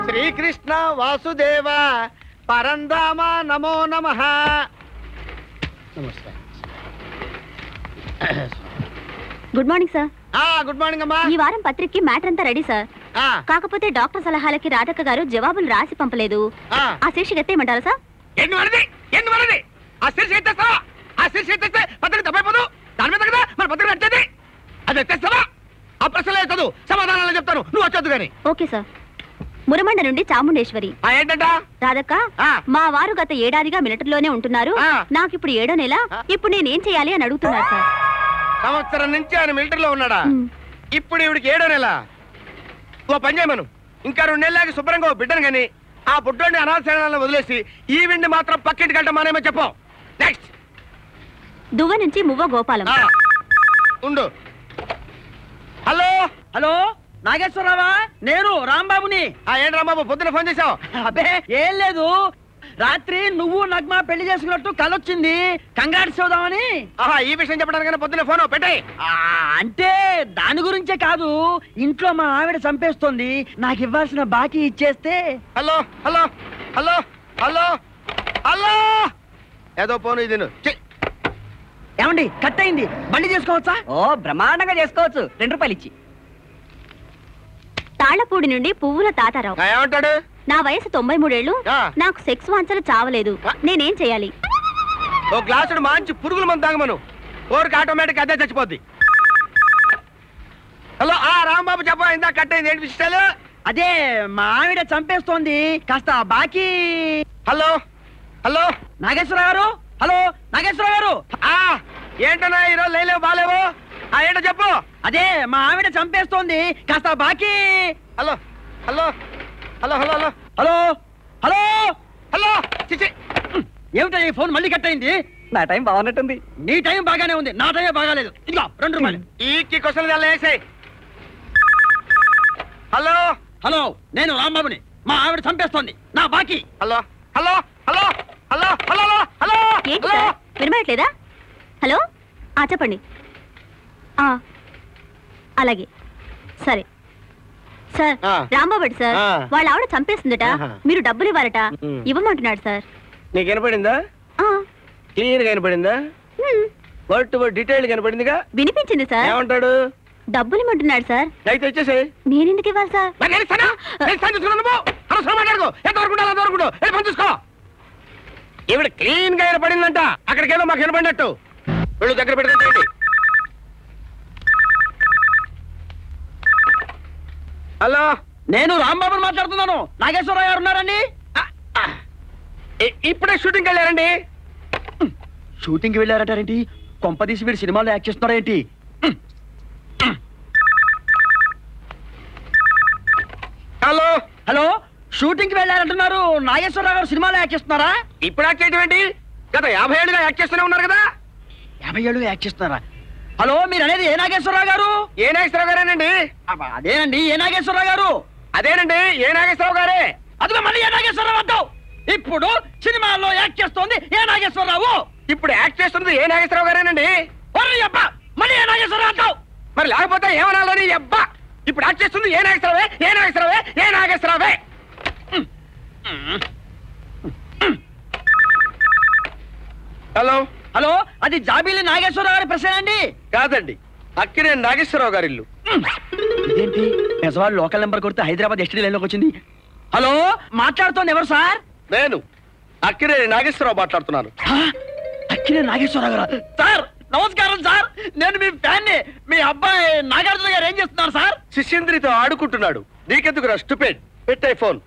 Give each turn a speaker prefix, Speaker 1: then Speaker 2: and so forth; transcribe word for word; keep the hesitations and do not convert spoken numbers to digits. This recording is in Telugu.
Speaker 1: శ్రీకృష్ణ వాసుదేవ పరంధామ నమో నమః. నమస్కారం.
Speaker 2: Good morning sir.
Speaker 1: ఆ గుడ్ మార్నింగ్ అమ్మా.
Speaker 2: ఈ వారం పత్రికకి మ్యాటర్ అంతా రెడీ సార్.
Speaker 1: ఆ
Speaker 2: కాకపోతే డాక్టర్ సలహాలకి రాధక్క గారు జవాబులు రాసి పంపలేదు.
Speaker 1: ఆ
Speaker 2: ఆ శీర్షిక ఎత్తేయమంటారా సార్?
Speaker 1: ఎన్ని వరది ఎన్ని వరది ఆ శీర్షిక ఎత్తేస్తావా? ఆ శీర్షిక ఎత్తేస్తే పత్రిక తప్పైపోదు. దాని మీద కదా మన పత్రిక నచ్చేది. అది ఎత్తేస్తావా? ఆ ప్రశ్నలు ఎత్తదు, సమాధానాలు చెప్తాను, నువ్వు వచ్చొద్దు గాని.
Speaker 2: Okay sir. మురమండ నుండి చాముండేశ్వరి.
Speaker 1: ఆ ఏంటంట?
Speaker 2: రాధక్క,
Speaker 1: ఆ.
Speaker 2: మా వారు గత ఏడాదిగా మిలిటరీలోనే ఉంటున్నారు.
Speaker 1: ఆ.
Speaker 2: నాకు ఇప్పుడు ఏడో నెల.
Speaker 1: ఆ.
Speaker 2: ఇప్పుడు నేనేం చేయాలి అని అడుగుతున్నారు సార్.
Speaker 1: సంవత్సరం నుంచి ఆయన మిలిటరీలో ఉన్నాడా?
Speaker 2: మ్.
Speaker 1: ఇప్పుడు ఇవిడికి ఏడో నెల. ఓ పని చేయమను, ఇంకా రెండు నెలలకి శుభ్రంగా ఓ బిడ్డను గాని ఆ బుడ్డోని అనాథశాలను వదిలేసి ఈ విండి మాత్రం పక్కింటికి వెళ్ళటం మానేమో చెప్పు. నెక్స్ట్.
Speaker 2: దువ్వ నుంచి మువ్వ గోపాలం.
Speaker 1: ఆ. ఉండు. హలో
Speaker 3: హలో నాగేశ్వరరావా? నేను రాంబాబుని.
Speaker 1: ఆ ఏంటి రాంబాబు పొద్దున ఫోన్ చేసావు?
Speaker 3: అబ్బే ఏం లేదు, రాత్రి నువ్వు నగ్మ పెళ్లి చేసుకున్నట్టు కలొచ్చింది, కంగారు చూద్దామని.
Speaker 1: ఆహా, ఈ విషయం చెప్పడానికి పొద్దున ఫోన్ పెట్టాయి.
Speaker 3: ఆ, అంటే దాని గురించే కాదు, ఇంట్లో మా ఆవిడ చంపేస్తోంది, నాకు ఇవ్వాల్సిన బాకీ ఇచ్చేస్తే.
Speaker 1: Hello hello hello hello hello ఏదో ఫోన్ ఇది ఛీ.
Speaker 3: ఏమండి కట్ అయింది, బండి చేసుకోవచ్చా? ఓ బ్రహ్మాండంగా చేసుకోవచ్చు, రెండు రూపాయలు ఇచ్చి.
Speaker 2: తాళ్లపూడి నుండి పువ్వుల తాతారావు.
Speaker 1: ఆ, ఏమంటాడు?
Speaker 2: నా వయసు తొంభై మూడేళ్లు.
Speaker 1: ఆ.
Speaker 2: నాకు సెక్స్ వాంఛలు చావలేదు.
Speaker 1: ఆ.
Speaker 2: నేనేం చేయాలి?
Speaker 1: ఓ గ్లాసుడు మంచి పురుగుల మందు తాగమను, కోరిక ఆటోమేటిక్ అదే చచ్చిపోద్ది. హలో ఆ రాంబాబు చెప్ప, ఇందా కట్ అయింది, ఏంటి విషయాలు?
Speaker 3: అదే మా ఆవిడ చంపేస్తోంది, కాస్త బాకీ.
Speaker 1: హలో హలో
Speaker 3: నాగేశ్వరరావు గారు, హలో నాగేశ్వరరావు గారు.
Speaker 1: ఆ ఏంటన్నా ఈరోజు లేలేవు బాలేవు? ఆ ఏంటో చెప్పు.
Speaker 3: అదే మా ఆవిడ చంపేస్తోంది, కాస్త బాకీ.
Speaker 1: Hello hello hello hello hello
Speaker 3: hello hello
Speaker 1: hello చిచి.
Speaker 3: ఏమిటో ఈ ఫోన్ మళ్ళీ కట్ అయింది? నా టైం బాగున్నట్టుంది. నీ టైం బాగానే ఉంది, నా టైం బాగాలేదు. ఇదిగో రెండు రూపాయలు.
Speaker 1: ఈ క్వశ్చన్ అలా వేసాయి. హలో
Speaker 3: హలో నేను రాంబాబుని, మా ఆవిడ చంపేస్తోంది, నా బాకీ.
Speaker 1: Hello hello hello hello hello hello
Speaker 2: ఏంటి
Speaker 1: హలో
Speaker 2: సార్, వినబడట్లేదా? హలో ఆ చెప్పండి. ఆ అలాగే సరే సార్.
Speaker 1: ఆ.
Speaker 2: రాంబాబు సార్,
Speaker 1: ఆ.
Speaker 2: వాళ్ళ ఆవిడ చంపేస్తుందట.
Speaker 1: ఆహా.
Speaker 2: మీరు డబ్బులు ఇవ్వాలట.
Speaker 1: ఉమ్.
Speaker 2: ఇవ్వమంటున్నాడు సార్.
Speaker 1: నీకు వినపడిందా?
Speaker 2: ఆ,
Speaker 1: క్లియర్ గా వినపడిందా?
Speaker 2: Um,
Speaker 1: word to word detail కనపడిందిగా.
Speaker 2: వినిపించింది సార్.
Speaker 1: ఏమంటాడు?
Speaker 2: డబ్బులు ఇవ్వమంటున్నాడు సార్.
Speaker 1: అయితే వచ్చేసేయ్.
Speaker 2: నేనెందుకు ఇవ్వాలి సార్?
Speaker 1: మరి నేను ఇస్తానా? నేను ఇస్తాను, చూసుకున్నాను నువ్వు. అనవసరం మాట్లాడుకో. ఎంతవరకు ఉండాలి అంతవరకు ఉండు. వెళ్ళి పని చూసుకో. ఈవిడ క్లీన్ గా వినపడిందంట, అక్కడికేదో మాకు వినపడినట్టు. వెళ్ళు, దగ్గర పెట్టుకుంటేయండి. హలో
Speaker 3: నేను రాంబాబుని మాట్లాడుతున్నాను. నాగేశ్వరరావు గారు ఉన్నారండి?
Speaker 1: ఆ, ఆ. ఇ- ఇప్పుడే షూటింగ్ వెళ్ళారండి.
Speaker 3: షూటింగ్ కి వెళ్ళారంటారేంటి? కొంపదీసి వీడు సినిమాలో యాక్ట్ చేస్తున్నారేంటి?
Speaker 1: హలో
Speaker 3: హలో షూటింగ్ కి వెళ్ళారంటున్నారు, నాగేశ్వరరావు గారు సినిమాలో యాక్ట్ చేస్తున్నారా?
Speaker 1: ఇప్పుడు యాక్ట్ చేయడం ఏంటి? గత యాభై ఏళ్ళుగా యాక్ట్ చేస్తూనే ఉన్నారు కదా.
Speaker 3: యాభై ఏళ్ళు యాక్ట్ చేస్తున్నారా? హలో మీరు అనేది ఏ నాగేశ్వరరావు గారు?
Speaker 1: ఏ నాగేశ్వరరావు గారేనండి?
Speaker 3: అబ్బా, అదేనండి ఏ నాగేశ్వరరావు గారు.
Speaker 1: అదేనండి ఏ నాగేశ్వరరావు గారే.
Speaker 3: అదిగో మళ్ళీ ఏ నాగేశ్వరరావు అంటావు. ఇప్పుడు సినిమాల్లో యాక్ట్ చేస్తోంది ఏ నాగేశ్వరరావు.
Speaker 1: ఇప్పుడు యాక్ట్ చేస్తున్నది ఏ నాగేశ్వరరావు గారేనండి.
Speaker 3: ఒర్రి అబ్బా, మళ్ళీ ఏ నాగేశ్వరరావు అంటావు.
Speaker 1: మరి లేకపోతే ఏమనాలని అబ్బా. ఇప్పుడు యాక్ట్ చేస్తుంది ఏ నాగేశ్వరరావే, ఏ నాగేశ్వరరావే, ఏ నాగేశ్వరరావే. హలో
Speaker 3: హలో అది జాబీలి నాగేశ్వరరావు గారి ప్రశ్న అండి?
Speaker 1: కాదండి, అక్కినే నాగేశ్వరరావు గారి ఇల్లు.
Speaker 3: ఇదేంటి పెసవాళ్ళు లోకల్ నెంబర్ కొడితే హైదరాబాద్ ఎస్టీ లైన్ లోకి వచ్చింది. హలో మాట్లాడుతోంది ఎవరు సార్?
Speaker 1: నేను అక్కినే నాగేశ్వరరావు మాట్లాడుతున్నాను.
Speaker 3: హా? అక్కినే నాగేశ్వరరావు గారు. సార్ నమస్కారం సార్, నేను మీ ఫ్యాన్ ని. మీ అబ్బాయి నాగార్జున గారు ఏం చేస్తున్నారు సార్?
Speaker 1: శిష్యంద్రితో ఆడుకుంటున్నాడు. నీకెందుకు రా స్టూపిడ్? పెట్టే ఫోన్.